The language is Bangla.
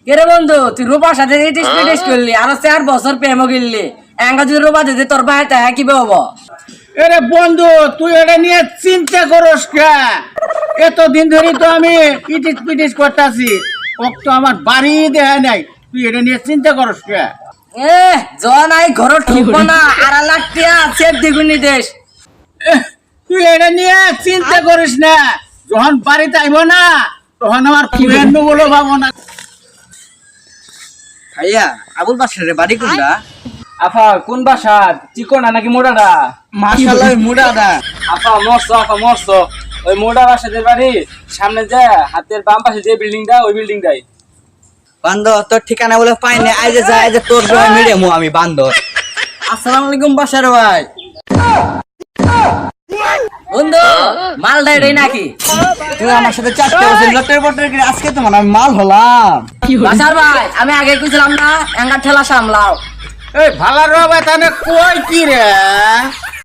কেরে বন্ধু তুই রূপার সাথে টেস্ট করলি আর 4 বছর প্রেমও গিললি এঙ্গা যদি রূপা দিতে তোর ভাই তাহা কি হবো? এরে বন্ধু তুই এটা নিয়ে চিন্তা করস কে? এতদিন ধরে তো আমি পিটিস করতেছি, তো আমার বাড়ি দেখা নাই, তুই এটা নিয়ে চিন্তা করস কে? এ জন আই ঘর ঠুকবো না আর লাখটিয়া সেফ দ্বিগুণী দেশ। তুই এটা নিয়ে চিন্তা করিস না, যখন বাড়িতে আইব না তখন আমার ফ্রেন্ড বলো ভাবো না। ভাইয়া আবুল বাসারে বাড়ি কোনটা? আফা কোন বাসা, চিকনা নাকি মোড়াটা? মাশাআল্লাহ মুড়াদা। আফা মস্ত ওই মোড়া বাসাদের বাড়ি সামনে যে হাতের বাম পাশে যে বিল্ডিংটা ওই বিল্ডিংটাই। বান্দর তোর ঠিকানা বলে পাই না, আইজে যা আইজে তোর জয় মেরে মু আমি বান্দর। আসসালামু আলাইকুম বাসার ভাই। বন্ধু মালটা এটাই নাকি? তুই আমার সাথে চারটে বছর লটের বটের করে আজকে তো মানে আমি মাল হলাম। বাসার ভাই আমি আগে কইছিলাম না এঙ্গা ঠেলা সামলাও। এই ভালো রবে তাহলে কই কি রে?